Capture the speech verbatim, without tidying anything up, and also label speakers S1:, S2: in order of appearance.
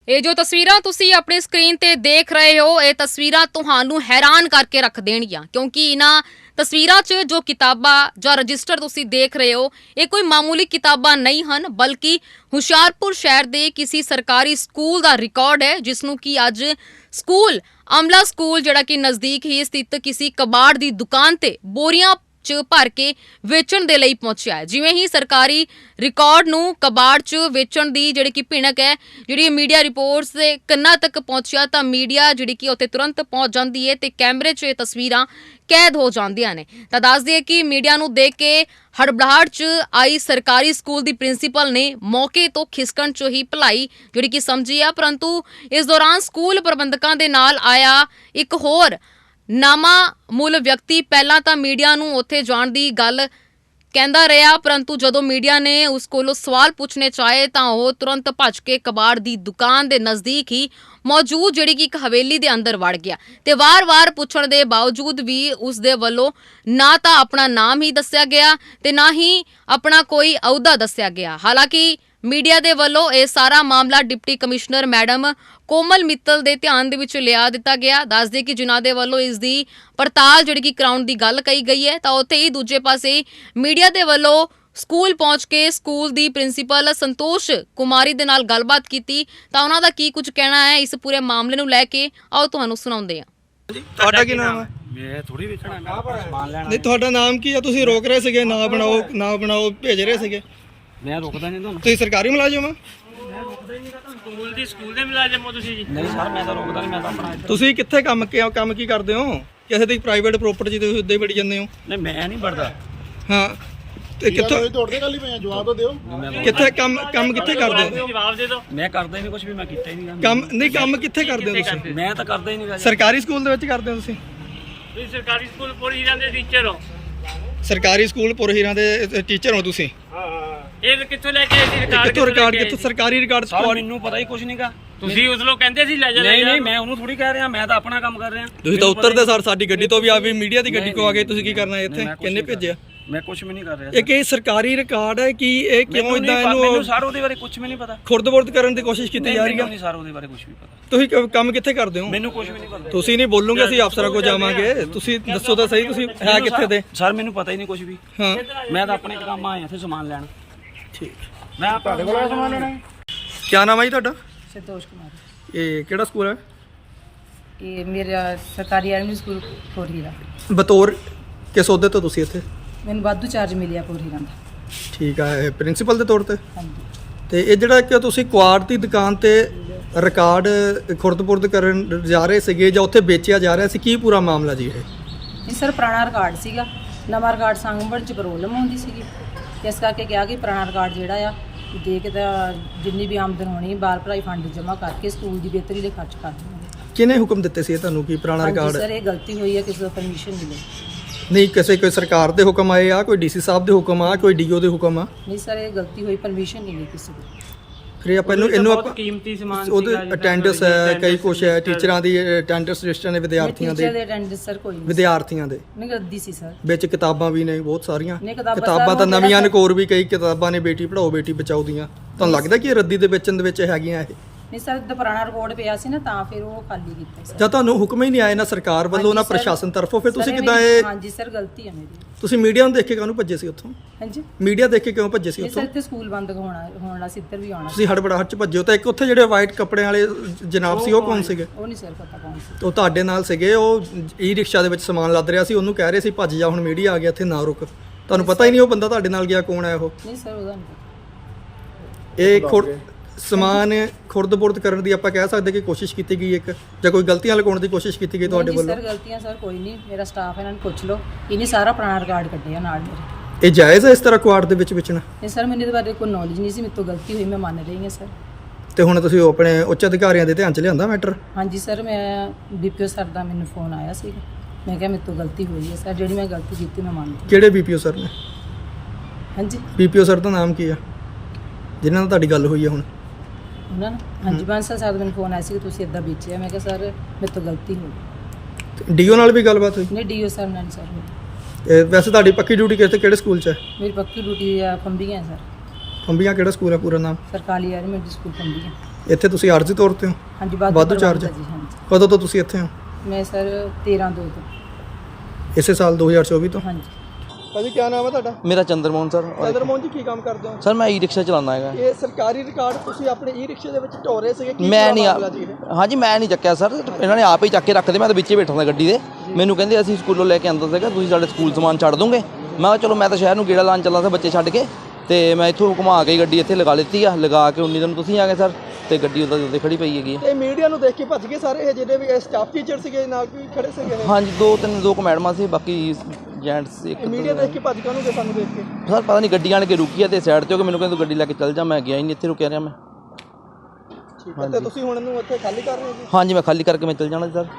S1: ਇਹ ਜੋ ਤਸਵੀਰਾਂ ਤੁਸੀਂ ਆਪਣੀ ਸਕਰੀਨ ਤੇ ਦੇਖ ਰਹੇ ਹੋ, ਇਹ ਤਸਵੀਰਾਂ ਤੁਹਾਨੂੰ ਹੈਰਾਨ ਕਰਕੇ ਰੱਖ ਦੇਣਗੀਆਂ ਕਿਉਂਕਿ ਇਹਨਾਂ ਤਸਵੀਰਾਂ 'ਚ ਜੋ ਕਿਤਾਬਾਂ ਜਾਂ ਰਜਿਸਟਰ ਤੁਸੀਂ ਦੇਖ ਰਹੇ ਹੋ, ਇਹ ਕੋਈ ਮਾਮੂਲੀ ਕਿਤਾਬਾਂ ਨਹੀਂ ਹਨ, ਬਲਕਿ ਹੁਸ਼ਿਆਰਪੁਰ ਸ਼ਹਿਰ ਦੇ ਕਿਸੇ ਸਰਕਾਰੀ ਸਕੂਲ ਦਾ ਰਿਕਾਰਡ ਹੈ, ਜਿਸ ਨੂੰ ਕਿ ਅੱਜ ਸਕੂਲ ਅਮਲਾ ਸਕੂਲ ਜਿਹੜਾ ਕਿ ਨਜ਼ਦੀਕ ਹੀ ਸਥਿਤ ਕਿਸੇ ਕਬਾੜ ਦੀ ਦੁਕਾਨ ਤੇ ਬੋਰੀਆਂ ਚ ਭਰ ਕੇ ਵੇਚਣ ਦੇ ਲਈ ਪਹੁੰਚਿਆ ਹੈ। ਜਿਵੇਂ ਹੀ ਸਰਕਾਰੀ ਰਿਕਾਰਡ ਨੂੰ ਕਬਾੜ ਚ ਵੇਚਣ ਦੀ ਜਿਹੜੀ ਕਿ ਭਿਣਕ ਹੈ, ਜਿਹੜੀ ਮੀਡੀਆ ਰਿਪੋਰਟਸ ਦੇ ਕੰਨਾਂ ਤੱਕ ਪਹੁੰਚਿਆ ਤਾਂ ਮੀਡੀਆ ਜਿਹੜੀ ਕਿ ਉੱਥੇ ਤੁਰੰਤ ਪਹੁੰਚ ਜਾਂਦੀ ਹੈ ਤੇ ਕੈਮਰੇ 'ਚ ਇਹ ਤਸਵੀਰਾਂ ਕੈਦ ਹੋ ਜਾਂਦੀਆਂ ਨੇ। ਤਾਂ ਦੱਸ ਦਈਏ ਕਿ ਮੀਡੀਆ ਨੂੰ ਦੇਖ ਕੇ ਹੜਬੜਾਹਟ 'ਚ ਆਈ ਸਰਕਾਰੀ ਸਕੂਲ ਦੀ ਪ੍ਰਿੰਸੀਪਲ ਨੇ ਮੌਕੇ ਤੋਂ ਖਿਸਕਣ 'ਚ ਹੀ ਭਲਾਈ ਜਿਹੜੀ ਕਿ ਸਮਝੀ ਆ, ਪਰੰਤੂ ਇਸ ਦੌਰਾਨ ਸਕੂਲ ਪ੍ਰਬੰਧਕਾਂ ਦੇ ਨਾਲ ਆਇਆ ਇੱਕ ਹੋਰ ਨਾਮਾ ਮੁੱਲ ਵਿਅਕਤੀ ਪਹਿਲਾਂ ਤਾਂ ਮੀਡੀਆ ਨੂੰ ਉੱਥੇ ਜਾਣ ਦੀ ਗੱਲ ਕਹਿੰਦਾ ਰਿਹਾ, ਪਰੰਤੂ ਜਦੋਂ ਮੀਡੀਆ ਨੇ ਉਸ ਕੋਲੋਂ ਸਵਾਲ ਪੁੱਛਣੇ ਚਾਹੇ ਤਾਂ ਉਹ ਤੁਰੰਤ ਭੱਜ ਕੇ ਕਬਾੜ ਦੀ ਦੁਕਾਨ ਦੇ ਨਜ਼ਦੀਕ ਹੀ ਮੌਜੂਦ ਜਿਹੜੀ ਕਿ ਇੱਕ ਹਵੇਲੀ ਦੇ ਅੰਦਰ ਵੜ ਗਿਆ ਤੇ ਵਾਰ-ਵਾਰ ਪੁੱਛਣ ਦੇ ਬਾਵਜੂਦ ਵੀ ਉਸ ਦੇ ਵੱਲੋਂ ਨਾ ਤਾਂ ਆਪਣਾ ਨਾਮ ਹੀ ਦੱਸਿਆ ਗਿਆ ਤੇ ਨਾ ਹੀ ਆਪਣਾ ਕੋਈ ਅਹੁਦਾ ਦੱਸਿਆ ਗਿਆ। ਹਾਲਾਂਕਿ ਮੀਡੀਆ ਦੇ ਵੱਲੋਂ ਇਹ ਸਾਰਾ ਮਾਮਲਾ deputy commissioner madam Komal Mittal ਦੇ ਧਿਆਨ ਦੇ ਵਿੱਚ ਲਿਆ ਦਿੱਤਾ ਗਿਆ। ਦੱਸਦੇ ਕਿ ਜਿਨ੍ਹਾਂ ਦੇ ਵੱਲੋਂ ਇਸ ਦੀ ਪੜਤਾਲ ਜਿਹੜੀ ਕਿ ਕਰਾਉਣ ਦੀ ਗੱਲ ਕਹੀ ਗਈ ਹੈ, ਤਾਂ ਉੱਥੇ ਹੀ ਦੂਜੇ ਪਾਸੇ ਮੀਡੀਆ ਦੇ ਵੱਲੋਂ ਸਕੂਲ ਪਹੁੰਚ ਕੇ ਸਕੂਲ ਦੀ ਪ੍ਰਿੰਸੀਪਲ ਸੰਤੋਸ਼ ਕੁਮਾਰੀ ਦੇ ਨਾਲ ਗੱਲਬਾਤ ਕੀਤੀ ਤਾਂ ਉਹਨਾਂ ਦਾ ਕੀ ਕੁਝ ਕਹਿਣਾ ਹੈ ਇਸ ਪੂਰੇ ਮਾਮਲੇ ਨੂੰ ਲੈ ਕੇ, ਆਓ ਤੁਹਾਨੂੰ ਸੁਣਾਉਂਦੇ ਹਾਂ।
S2: ਤੁਹਾਡਾ ਕੀ ਨਾਮ ਹੈ?
S3: ਮੈਂ ਥੋੜੀ ਵੇਚਣਾ ਸਮਾਨ ਲੈਣਾ।
S2: ਨਹੀਂ, ਤੁਹਾਡਾ ਨਾਮ ਕੀ ਹੈ? ਤੁਸੀਂ ਰੋਕ ਰਹੇ ਸੀਗੇ, ਨਾ ਬਣਾਓ ਨਾ ਬਣਾਓ ਭੇਜ ਰਹੇ ਸੀਗੇ।
S3: ਮੈਂ ਰੁਕਦਾ ਨਹੀਂ ਤੁਹਾਨੂੰ।
S2: ਤੁਸੀਂ ਸਰਕਾਰੀ ਮੁਲਾਜ਼ਮ ਹੋ?
S3: ਮੈਂ ਰੁਕਦਾ ਹੀ ਨਹੀਂ ਤੁਹਾਨੂੰ। ਸਕੂਲ ਦੀ ਸਕੂਲ ਦੇ ਮੁਲਾਜ਼ਮ ਹੋ ਤੁਸੀਂ ਜੀ? ਨਹੀਂ ਸਰ, ਮੈਂ ਤਾਂ ਰੁਕਦਾ ਨਹੀਂ, ਮੈਂ ਤਾਂ ਆਪਣਾ।
S2: ਤੁਸੀਂ ਕਿੱਥੇ ਕੰਮ ਕੀ ਕੰਮ ਕੀ ਕਰਦੇ ਹੋ? ਕਿਸੇ ਦੀ ਪ੍ਰਾਈਵੇਟ ਪ੍ਰਾਪਰਟੀ ਤੇ ਤੁਸੀਂ ਉੱਦੇ ਵੜੀ ਜਾਂਦੇ ਹੋ?
S3: ਨਹੀਂ, ਮੈਂ ਨਹੀਂ ਵੜਦਾ।
S2: ਹਾਂ, ਤੇ ਕਿੱਥੋਂ
S4: ਤੋੜਦੇ ਗੱਲ ਹੀ ਪਏ, ਜਵਾਬ ਤਾਂ ਦਿਓ।
S2: ਕਿੱਥੇ ਕੰਮ ਕੰਮ ਕਿੱਥੇ ਕਰਦੇ ਹੋ?
S3: ਜਵਾਬ ਦੇ ਦਿਓ। ਮੈਂ ਕਰਦਾ ਹੀ ਨਹੀਂ ਕੁਝ ਵੀ, ਮੈਂ ਕੀਤਾ ਹੀ ਨਹੀਂ
S2: ਕੰਮ। ਨਹੀਂ, ਕੰਮ ਕਿੱਥੇ ਕਰਦੇ ਹੋ ਤੁਸੀਂ?
S3: ਮੈਂ ਤਾਂ ਕਰਦਾ ਹੀ ਨਹੀਂ।
S2: ਸਰਕਾਰੀ ਸਕੂਲ ਦੇ ਵਿੱਚ ਕਰਦੇ ਹੋ ਤੁਸੀਂ?
S3: ਤੁਸੀਂ ਸਰਕਾਰੀ ਸਕੂਲ ਪੁਰ ਹੀਰਾਂ ਦੇ ਟੀਚਰ ਹੋ?
S2: ਸਰਕਾਰੀ ਸਕੂਲ ਪੁਰ ਹੀਰਾਂ ਦੇ ਟੀਚਰ ਹੋ ਤੁਸੀਂ?
S3: ਹਾਂ ਹਾਂ। ਇਹ ਕਿੱਥੋਂ ਲੈ ਕੇ ਆਏ ਸੀ ਰਿਕਾਰਡ?
S2: ਕਿੱਥੋਂ ਰਿਕਾਰਡ? ਕਿੱਥੋਂ ਸਰਕਾਰੀ ਰਿਕਾਰਡ?
S3: ਮੈਨੂੰ ਪਤਾ ਹੀ ਕੁਝ ਨਹੀਂਗਾ। ਤੁਸੀਂ ਉਸ ਨੂੰ ਕਹਿੰਦੇ ਸੀ ਲੈ ਜਾ। ਨਹੀਂ ਨਹੀਂ, ਮੈਂ ਉਹਨੂੰ ਥੋੜੀ ਕਹਿ ਰਿਹਾ, ਮੈਂ ਤਾਂ ਆਪਣਾ ਕੰਮ ਕਰ ਰਿਹਾ।
S2: ਤੁਸੀਂ ਤਾਂ ਉੱਤਰਦੇ ਸਰ ਸਾਡੀ ਗੱਡੀ ਤੋਂ ਵੀ ਆ ਵੀ ਮੀਡੀਆ ਦੀ ਗੱਡੀ ਕੋ ਆ ਗਏ, ਤੁਸੀਂ ਕੀ ਕਰਨਾ ਇੱਥੇ? ਕਿੰਨੇ ਭੇਜਿਆ?
S3: ਮੈਂ ਕੁਝ ਵੀ ਨਹੀਂ ਕਰ ਰਿਹਾ।
S2: ਇਹ ਕਿ ਸਰਕਾਰੀ ਰਿਕਾਰਡ ਹੈ ਕਿ ਇਹ ਕਿਉਂ ਇਦਾਂ ਇਹਨੂੰ?
S3: ਮੈਨੂੰ ਸਰ ਉਹਦੇ ਬਾਰੇ ਕੁਝ ਵੀ ਨਹੀਂ ਪਤਾ।
S2: ਖੁਰਦ-ਬੁਰਦ ਕਰਨ ਦੀ ਕੋਸ਼ਿਸ਼ ਕੀਤੀ ਜਾ ਰਹੀ ਹੈ?
S3: ਨਹੀਂ ਸਰ, ਉਹਦੇ ਬਾਰੇ ਕੁਝ ਵੀ ਪਤਾ।
S2: ਤੁਸੀਂ ਕੰਮ ਕਿੱਥੇ ਕਰਦੇ ਹੋ?
S3: ਮੈਨੂੰ ਕੁਝ ਵੀ ਨਹੀਂ ਪਤਾ।
S2: ਤੁਸੀਂ ਨਹੀਂ ਬੋਲੋਗੇ, ਅਸੀਂ ਅਫਸਰਾਂ ਕੋਲ ਜਾਵਾਂਗੇ। ਤੁਸੀਂ ਦੱਸੋ ਤਾਂ ਸਹੀ, ਤੁਸੀਂ ਹੈ ਕਿੱਥੇ ਦੇ?
S3: ਸਰ ਮੈਨੂੰ ਪਤਾ ਹੀ ਨਹੀਂ ਕੁਝ ਵੀ।
S2: ਹਾਂ,
S3: ਮੈਂ ਤਾਂ ਆਪਣੇ ਕੰਮ ਆਇਆ ਇੱਥੇ ਸਮਾਨ ਲੈਣ।
S2: ਠੀਕ।
S3: ਮੈਂ ਤੁਹਾਡੇ ਕੋਲ ਸਮਾਨ ਲੈਣਾ।
S2: ਕੀ ਨਾਮ ਹੈ ਜੀ ਤੁਹਾਡਾ?
S5: संतोष कुमार।
S2: ਇਹ ਕਿਹੜਾ ਸਕੂਲ ਹੈ?
S5: ये मेरा सरकारी आर्मी स्कूल फोर हीरा।
S2: ਬਤੌਰ ਕਿਸ ਅਹੁਦੇ ਤੋਂ ਤੁਸੀਂ ਇੱਥੇ?
S5: मैंने वाधू चार्ज मिलिया फोर हीरा का।
S2: ਠੀਕ ਹੈ, ਪ੍ਰਿੰਸੀਪਲ ਦੇ ਤੌਰ ਤੇ।
S5: हाँ जी।
S2: ਤੇ ਇਹ ਜਿਹੜਾ ਕਿ ਤੁਸੀਂ ਕੁਆੜ ਦੀ ਦੁਕਾਨ ਤੇ ਰਿਕਾਰਡ ਖੁਰਦ-ਬੁਰਦ ਕਰਨ ਜਾ ਰਹੇ ਸੀਗੇ ਜਾਂ ਉੱਥੇ ਵੇਚਿਆ ਜਾ ਰਿਹਾ ਸੀ, ਕੀ ਪੂਰਾ ਮਾਮਲਾ ਜੀ ਇਹ?
S5: ਇਹ ਸਰ ਪੁਰਾਣਾ ਰਿਕਾਰਡ ਸੀਗਾ, ਨਵਾਂ ਰਿਕਾਰਡ ਸੰਭਣ ਚ ਪ੍ਰੋਬਲਮ ਹੁੰਦੀ ਸੀਗੀ, ਇਸ ਕਰਕੇ ਕਿਹਾ ਕਿ ਪੁਰਾਣਾ ਰਿਕਾਰਡ ਜਿਹੜਾ ਆ ਦੇ ਕੇ ਤਾਂ ਜਿੰਨੀ ਵੀ ਆਮਦਨ ਹੋਣੀ ਬਾਲ ਭਲਾਈ ਫੰਡ ਜਮ੍ਹਾਂ ਕਰਕੇ ਸਕੂਲ ਦੀ ਬਿਹਤਰੀ ਲਈ ਖਰਚ ਕਰ ਦੇਵਾਂਗੇ।
S2: ਕਿਹਨੇ ਹੁਕਮ ਦਿੱਤੇ ਸੀ ਇਹ ਤੁਹਾਨੂੰ ਕਿ ਪੁਰਾਣਾ ਰਿਕਾਰਡ?
S5: ਸਰ ਇਹ ਗਲਤੀ ਹੋਈ ਹੈ, ਕਿਸੇ ਤੋਂ ਪਰਮਿਸ਼ਨ ਮਿਲੇ
S2: ਨਹੀਂ, ਕਿਸੇ ਕੋਈ ਸਰਕਾਰ ਦੇ ਹੁਕਮ ਆਏ ਆ, ਕੋਈ ਡੀਸੀ ਸਾਹਿਬ ਦੇ ਹੁਕਮ ਆ, ਕੋਈ ਡੀਓ ਦੇ ਹੁਕਮ ਆ?
S5: ਨਹੀਂ ਸਰ, ਇਹ ਗਲਤੀ ਹੋਈ, ਪਰਮਿਸ਼ਨ ਨਹੀਂ ਲਈ ਕਿਸੇ ਦੀ।
S2: ਫਿਰ ਆਪਾਂ ਇਹਨੂੰ ਇਹਨੂੰ ਆਪਾਂ
S3: ਕੀਮਤੀ ਸਮਾਨ
S2: ਉਹਦੇ ਅਟੈਂਡੈਂਸ ਹੈ, ਕਈ ਕੁਛ ਹੈ, ਟੀਚਰਾਂ ਦੀ ਅਟੈਂਡੈਂਸ ਰਜਿਸਟਰ ਨੇ, ਵਿਦਿਆਰਥੀਆਂ
S5: ਟੀਚਰ
S2: ਦੇ
S5: ਦੇ ਅਟੈਂਡੈਂਸ ਸਰ ਕੋਈ ਨਹੀਂ,
S2: ਵਿਦਿਆਰਥੀਆਂ ਦੇ
S5: ਨਹੀਂ ਰੱਦੀ ਸੀ ਸਰ।
S2: ਵਿੱਚ ਕਿਤਾਬਾਂ ਵੀ ਨੇ ਬਹੁਤ ਸਾਰੀਆਂ।
S5: ਨਹੀਂ, ਕਿਤਾਬਾਂ
S2: ਕਿਤਾਬਾਂ ਤਾਂ
S5: ਸਾਰੀਆਂ
S2: ਨਵੀਆਂ
S5: ਜਿਹੜਾ
S2: ਨਕੋਰ ਵੀ ਕਈ ਕਿਤਾਬਾਂ ਨੇ, ਬੇਟੀ ਪੜਾਓ ਬੇਟੀ ਬਚਾਓ ਦੀਆਂ। ਤੁਹਾਨੂੰ ਲੱਗਦਾ ਕਿ ਇਹ ਰੱਦੀ ਦੇ ਵੇਚਣ ਦੇ ਵਿੱਚ ਹੈਗੀਆਂ ਇਹ?
S5: ਨਹੀਂ ਸਰ, ਦਾ ਪੁਰਾਣਾ ਰਿਕਾਰਡ ਪਿਆ ਸੀ ਨਾ, ਤਾਂ ਫਿਰ ਉਹ ਖਾਲੀ ਕੀਤਾ ਸਰ।
S2: ਜਾਂ ਤੁਹਾਨੂੰ ਹੁਕਮ ਹੀ ਨਹੀਂ ਆਏ ਨਾ ਸਰਕਾਰ ਵੱਲੋਂ ਨਾ
S5: ਹਾਂਜੀ ਸਰ।
S2: ਪ੍ਰਸ਼ਾਸਨ ਤਰਫੋਂ, ਫਿਰ ਤੁਸੀਂ
S5: ਸਰ,
S2: ਕਿੱਦਾਂ
S5: ਮੇਰੀ-
S2: ਇਹ?
S5: ਹਾਂਜੀ ਸਰ, ਗਲਤੀ ਹੈ ਮੇਰੀ।
S2: ਤੁਸੀਂ ਮੀਡੀਆ ਨੂੰ ਦੇਖ ਕੇ ਕਾਹਨੂੰ ਭੱਜੇ ਸੀ ਉੱਥੋਂ?
S5: ਹਾਂਜੀ,
S2: ਮੀਡੀਆ ਦੇਖ ਕੇ ਕਿਉਂ ਭੱਜੇ ਸੀ
S5: ਨਹੀਂ ਸਰ,
S2: ਉੱਥੋਂ?
S5: ਇੱਥੇ ਸਕੂਲ ਬੰਦ ਹੋਣਾ ਹੋਣਾ ਸੀ, ਇੱਧਰ ਵੀ ਆਉਣਾ ਸੀ।
S2: ਤੁਸੀਂ ਹੜਬੜਾਹਟ ਚ ਭੱਜੇ ਹੋ। ਤਾਂ ਇੱਕ ਉੱਥੇ ਜਿਹੜੇ ਵਾਈਟ ਕੱਪੜਿਆਂ ਵਾਲੇ ਜਨਾਬ ਸੀ, ਉਹ ਕੌਣ ਸੀਗੇ?
S5: ਉਹ ਨਹੀਂ ਸਰ ਪਤਾ ਕੌਣ ਸੀ।
S2: ਉਹ ਤੁਹਾਡੇ ਨਾਲ ਸੀਗੇ, ਉਹ ਈ ਰਿਕਸ਼ਾ ਦੇ ਵਿੱਚ ਸਮਾਨ ਲੱਦ ਰਿਹਾ ਸੀ, ਉਹਨੂੰ ਕਹਿ ਰਹੇ ਸੀ ਭੱਜ ਜਾ, ਹੁਣ ਮੀਡੀਆ ਆ ਗਿਆ ਇੱਥੇ, ਨਾ ਰੁਕ। ਤੁਹਾਨੂੰ ਪਤਾ ਹੀ ਨਹੀਂ ਉਹ ਬੰਦਾ ਤੁਹਾਡੇ ਨਾਲ ਗਿਆ ਕੌਣ ਹੈ ਉਹ?
S5: ਨਹੀਂ ਸਰ, ਉਹਦਾ ਨਹੀਂ ਪਤਾ।
S2: ਇਹ ਖੁਰ ਸਮਾਨ ਖੁਰਦ-ਬੁਰਦ ਕਰਨ ਦੀ ਆਪਾਂ ਕਹਿ ਸਕਦੇ ਕਿ ਕੋਸ਼ਿਸ਼ ਕੀਤੀ ਗਈ ਇੱਕ, ਜਾਂ ਕੋਈ ਗਲਤੀਆਂ ਲਗਾਉਣ ਦੀ ਕੋਸ਼ਿਸ਼ ਕੀਤੀ ਗਈ ਤੁਹਾਡੇ
S5: ਨਹੀਂ ਜੀ
S2: ਵੱਲੋਂ?
S5: ਸਰ, ਗਲਤੀਆਂ ਸਰ ਕੋਈ ਨਹੀਂ, ਮੇਰਾ ਸਟਾਫ ਹੈ, ਇਹਨਾਂ ਨੂੰ ਪੁੱਛ ਲਓ। ਇਹਨੇ ਸਾਰਾ ਪੁਰਾਣਾ ਰਿਕਾਰਡ ਕੱਢਿਆ ਨਾਲ ਮੇਰੇ।
S2: ਇਹ ਜਾਇਜ਼ ਹੈ ਇਸ ਤਰ੍ਹਾਂ ਕੁਆੜ ਦੇ ਵਿੱਚ ਵੇਚਣਾ?
S5: ਨਹੀਂ ਸਰ, ਮੈਨੂੰ ਇਹਦੇ ਬਾਰੇ ਕੋਈ ਨੌਲੇਜ ਨਹੀਂ ਸੀ, ਮੇਰੇ ਤੋਂ ਗਲਤੀ ਹੋਈ, ਮੈਂ ਮੰਨ ਰਹੀ ਹਾਂ ਸਰ।
S2: ਤੇ ਹੁਣ ਤੁਸੀਂ ਉਹ ਆਪਣੇ ਉੱਚ ਅਧਿਕਾਰੀਆਂ ਦੇ ਧਿਆਨ 'ਚ ਲਿਆਂਦਾ ਮੈਟਰ?
S5: ਹਾਂਜੀ ਸਰ, ਮੈਂ ਡੀਪੀਓ ਸਰ ਦਾ ਮੈਨੂੰ ਫੋਨ ਆਇਆ ਸੀ, ਮੈਂ ਕਿਹਾ ਮੇਰੇ ਤੋਂ ਗਲਤੀ ਹੋਈ ਹੈ ਸਰ, ਜਿਹੜੀ ਮੈਂ ਗਲਤੀ ਕੀਤੀ ਮੈਂ ਮੰਨਦੀ।
S2: ਕਿਹੜੇ ਬੀਪੀਓ ਸਰ ਨੇ?
S5: ਹਾਂਜੀ,
S2: ਬੀਪੀਓ ਸਰ ਦਾ ਨਾਮ ਕੀ ਆ ਜਿਨ੍ਹਾਂ ਨਾਲ ਤੁਹਾਡੀ ਗੱਲ ਹੋਈ ਹੈ ਹੁਣ?
S5: ਉਹਨਾਂ ਨੇ ਹਾਂਜੀ ਬਾਂਸਲ ਸਰ ਦਾ ਮੈਨੂੰ ਫੋਨ ਆਇਆ ਸੀ ਕਿ ਤੁਸੀਂ ਇੱਦਾਂ ਵੇਚਿਆ। ਮੈਂ ਕਿਹਾ ਸਰ ਮੇਰੇ ਤੋਂ ਗਲਤੀ ਹੋ ਗਈ।
S2: ਡੀਓ ਨਾਲ ਵੀ ਗੱਲਬਾਤ ਹੋਈ?
S5: ਨਹੀਂ, ਡੀਓ ਸਰ ਨਾਲ ਸਰ ਹੋਈ।
S2: ਇਹ ਵੈਸੇ ਤੁਹਾਡੀ ਪੱਕੀ ਡਿਊਟੀ ਕਿਸ ਕਿਹੜੇ ਸਕੂਲ 'ਚ ਹੈ?
S5: ਮੇਰੀ ਪੱਕੀ ਡਿਊਟੀ ਆ ਫੰਬੀਆਂ ਸਰ।
S2: ਫੰਬੀਆਂ ਕਿਹੜਾ ਸਕੂਲ ਹੈ ਪੂਰਾ ਨਾਮ?
S5: ਸਰਕਾਰੀ ਐਲੀਮੈਂਟਰੀ ਸਕੂਲ ਫੰਬੀਆਂ।
S2: ਇੱਥੇ ਤੁਸੀਂ ਆਰਜ਼ੀ ਤੌਰ ਤੇ ਹੋ?
S5: ਹਾਂਜੀ
S2: ਵਾਧੂ ਚਾਰਜ?
S5: ਜੀ ਹਾਂਜੀ।
S2: ਕਦੋਂ ਤੋਂ ਤੁਸੀਂ ਇੱਥੇ ਹੋ?
S5: ਮੈਂ ਸਰ ਤੇਰਾਂ ਦੋ ਤੋਂ।
S2: ਇਸੇ ਸਾਲ ਦੋ ਹਜ਼ਾਰ ਚੌਵੀ ਤੋਂ?
S5: ਹਾਂਜੀ।
S2: ਭਾਜੀ ਕੀ ਨਾਮ ਹੈ ਤੁਹਾਡਾ?
S4: ਮੇਰਾ ਚੰਦਰਮੋਹਨ ਸਰ।
S2: ਚੰਦਰਮੋਹਨ ਜੀ ਕੀ ਕੰਮ ਕਰਦੇ ਹੋ?
S4: ਸਰ ਮੈਂ ਈ ਰਿਕਸ਼ਾ ਚਲਾਉਂਦਾ ਹੈਗਾ।
S2: ਇਹ ਸਰਕਾਰੀ ਰਿਕਾਰਡ ਤੁਸੀਂ ਆਪਣੇ ਈ ਰਿਕਸ਼ੇ ਦੇ ਵਿੱਚ ਢੋ ਰਹੇ ਸੀਗੇ, ਕੀ
S4: ਮੈਂ ਨਹੀਂ
S2: ਮਾਮਲਾ ਜੀ ਇਹ?
S4: ਹਾਂਜੀ ਮੈਂ ਨਹੀਂ ਚੱਕਿਆ ਸਰ, ਇਹਨਾਂ ਨੇ ਆਪ ਹੀ ਚੱਕ ਕੇ ਰੱਖਦੇ। ਮੈਂ ਤਾਂ ਵਿੱਚੇ ਬੈਠਾ ਸੀ ਗੱਡੀ ਦੇ। ਮੈਨੂੰ ਕਹਿੰਦੇ ਅਸੀਂ ਸਕੂਲੋਂ ਲੈ ਕੇ ਆਂਦਾ ਸੀਗਾ, ਤੁਸੀਂ ਸਾਡੇ ਸਕੂਲ ਸਮਾਨ ਛੱਡ ਦੋਗੇ? ਮੈਂ ਕਿਹਾ ਚਲੋ, ਮੈਂ ਤਾਂ ਸ਼ਹਿਰ ਨੂੰ ਗੇੜਾ ਲਾਉਣ ਚੱਲਾ ਸੀ ਬੱਚੇ ਛੱਡ ਕੇ, ਤੇ ਮੈਂ ਇੱਥੋਂ ਘੁਮਾ ਕੇ ਗੱਡੀ ਇੱਥੇ ਲਗਾ ਲਿੱਤੀ ਆ। ਲਗਾ ਕੇ ਉਨੀ ਦਿਨ ਤੁਸੀਂ ਆ ਗਏ ਸਰ, ਤੇ ਗੱਡੀ ਉਹਦਾ ਉੱਤੇ ਖੜੀ ਪਈ ਹੈਗੀ।
S2: ਤੇ ਮੀਡੀਆ ਨੂੰ ਦੇਖ ਕੇ ਭੱਜ ਗਏ ਸਾਰੇ ਇਹ ਜਿਹੜੇ ਵੀ ਸਟਾਫ ਟੀਚਰ ਸੀਗੇ ਨਾਲ ਵੀ ਖੜੇ ਸੀਗੇ ਇਹ?
S4: ਹਾਂਜੀ, ਦੋ ਤਿੰਨ ਦੋ ਕੁ ਮੈਡਮਾਂ ਸੀ, ਬਾਕੀ ਜੈਂਟਸ ਇੱਕ।
S2: ਮੀਡੀਆ ਦੇਖ ਕੇ ਭੱਜ ਗਏ ਸਾਨੂੰ ਦੇਖ ਕੇ?
S4: ਸਰ ਪਤਾ ਨਹੀਂ, ਗੱਡੀ ਆਣ ਕੇ ਰੁਕੀ ਆ ਤੇ ਸਾਈਡ ਤੇ ਹੋ ਕੇ ਮੈਨੂੰ ਕਹਿੰਦੇ ਤੂੰ ਗੱਡੀ ਲੈ ਕੇ ਚੱਲ ਜਾ। ਮੈਂ ਗਿਆ ਹੀ ਨਹੀਂ, ਇੱਥੇ ਰੁਕਿਆ ਰਿਹਾ ਮੈਂ।
S2: ਠੀਕ ਹੈ, ਤੇ ਤੁਸੀਂ ਹੁਣ ਇਹਨੂੰ ਇੱਥੇ ਖਾਲੀ ਕਰ ਰਹੇ ਹੋ ਜੀ?
S4: ਹਾਂਜੀ ਮੈਂ ਖਾਲੀ ਕਰਕੇ ਮੈਂ ਚੱਲ ਜਾਣਾ ਸਰ।